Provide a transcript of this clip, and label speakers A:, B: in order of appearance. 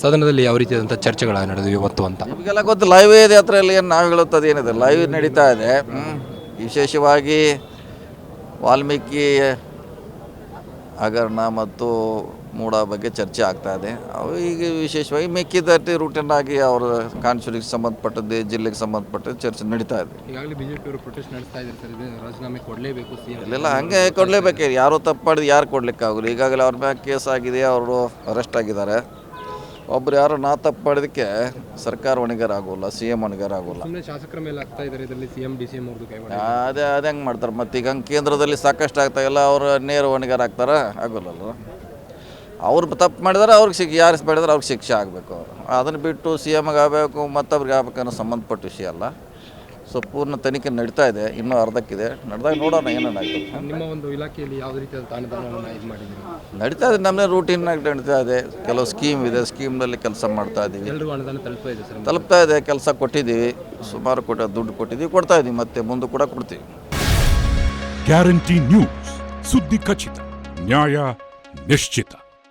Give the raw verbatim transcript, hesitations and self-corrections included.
A: ಸದನದಲ್ಲಿ ಯಾವ ರೀತಿಯಾದಂಥ ಚರ್ಚೆಗಳು ನಡೆದಿವೆ ಇವತ್ತು ಅಂತ
B: ನಿಮಗೆಲ್ಲ ಗೊತ್ತು ಲೈವ್ ಇದೆ ಹತ್ರಲ್ಲಿ ಏನು ನಾವು ಹೇಳುತ್ತದೆ ಏನಿದೆ ಲೈವ್ ನಡೀತಾ ಇದೆ. ವಿಶೇಷವಾಗಿ ವಾಲ್ಮೀಕಿ ಹಗರಣ ಮತ್ತು ಮೂಡ ಬಗ್ಗೆ ಚರ್ಚೆ ಆಗ್ತಾ ಇದೆ. ಅವು ಈಗ ವಿಶೇಷವಾಗಿ ಮೆಕ್ಕಿದಟ್ಟಿ ರೂಟೀನ್ ಆಗಿ ಅವರ ಕಾನ್ಸ್ಟಿಟ್ಯೂನ್ಸಿಗೆ ಸಂಬಂಧಪಟ್ಟದ್ದು ಜಿಲ್ಲೆಗೆ ಸಂಬಂಧಪಟ್ಟದ್ದು ಚರ್ಚೆ ನಡೀತಾ ಇದೆ.
A: ಈಗಾಗಲೇ ಬಿಜೆಪಿಯವರು ಪ್ರೊಟೆಸ್ಟ್ ನಡೆಸ್ತಾ ಇದ್ದಾರೆ ಸರ್, ಇದು ರಾಜೀನಾಮೆ ಕೊಡಲೇಬೇಕು ಸಿ ಎಂ.
B: ಇಲ್ಲೆಲ್ಲ ಹಾಗೆ ಕೊಡಲೇಬೇಕು, ಯಾರು ತಪ್ಪು ಮಾಡಿದ್ದು ಯಾರು ಕೊಡಲಿಕ್ಕಾಗಲ್ಲ. ಈಗಾಗಲೇ ಅವ್ರ ಮ್ಯಾಗ ಕೇಸ್ ಆಗಿದೆ, ಅವರು ಅರೆಸ್ಟ್ ಆಗಿದ್ದಾರೆ. ಒಬ್ರು ಯಾರು ನಾ ತಪ್ಪು ಮಾಡಿದಕ್ಕೆ ಸರ್ಕಾರ ಹೊಣೆಗಾರ ಆಗೋಲ್ಲ, ಸಿ ಎಂ ಹೊಣೆಗಾರ ಆಗೋಲ್ಲ.
A: ಶಾಸಕರ ಮೇಲೆ ಆಗ್ತಾ ಇದ್ದಾರೆ ಇದರಲ್ಲಿ C M D C M ಅವ್ರದ್ದು ಕೈ
B: ಅದೇ ಅದು ಹೆಂಗೆ ಮಾಡ್ತಾರೆ ಮತ್ತು ಈಗ ಹಂಗೆ ಕೇಂದ್ರದಲ್ಲಿ ಸಾಕಷ್ಟು ಆಗ್ತಾ ಇಲ್ಲ, ಅವರು ನೇರ ಹೊಣೆಗಾರ ಆಗ್ತಾರೆ ಆಗೋಲ್ಲಲ್ಲ. ಅವ್ರು ತಪ್ಪು ಮಾಡಿದಾರೆ ಅವ್ರಿಗೆ ಶಿಕ್ಷೆ, ಯಾರು ಮಾಡಿದ್ರೆ ಅವ್ರಿಗೆ ಶಿಕ್ಷೆ ಆಗಬೇಕು. ಅದನ್ನು ಬಿಟ್ಟು ಸಿ ಎಮ್ಗೆ ಆಗಬೇಕು ಮತ್ತೊಬ್ರಿಗೆ ಆಗ್ಬೇಕು ಅನ್ನೋ ಸಂಬಂಧಪಟ್ಟ ವಿಷಯ ಅಲ್ಲ. ಸೊ ಪೂರ್ಣ ತನಿಖೆ ನಡೀತಾ ಇದೆ, ಇನ್ನೂ ಅರ್ಧಕ್ಕಿದೆ, ನಡೆದಾಗ ನೋಡೋಣ ಏನೇನಾಗ್ತದೆ.
A: ನಿಮ್ಮ ಒಂದು ಇಲಾಖೆಯಲ್ಲಿ ಯಾವುದೇ ರೀತಿಯಾದ ಅನುದಾನವನ್ನು ಇದು ಮಾಡಿದ್ದೀರಿ?
B: ನಡೀತಾ ಇದೆ, ನಮ್ಮದೇ ರೂಟೀನಾಗಿ ನಡೀತಾ ಇದೆ. ಕೆಲವು ಸ್ಕೀಮ್ ಇದೆ, ಸ್ಕೀಮ್ನಲ್ಲಿ ಕೆಲಸ ಮಾಡ್ತಾ ಇದ್ದೀವಿ.
A: ಎಲ್ಲರಿಗೂ ಅನುದಾನ ತಲುಪ್ತಾ ಇದೆ ಸರ್?
B: ತಲುಪ್ತಾ ಇದೆ, ಕೆಲಸ ಕೊಟ್ಟಿದ್ದೀವಿ, ಸುಮಾರು ಕೊಟ್ಟ ದುಡ್ಡು ಕೊಟ್ಟಿದ್ದೀವಿ, ಕೊಡ್ತಾ ಇದ್ದೀವಿ, ಮತ್ತೆ ಮುಂದೆ ಕೂಡ ಕೊಡ್ತೀವಿ.
C: ಗ್ಯಾರಂಟಿ ನ್ಯೂಸ್, ಸುದ್ದಿ ಖಚಿತ, ನ್ಯಾಯ ನಿಶ್ಚಿತ.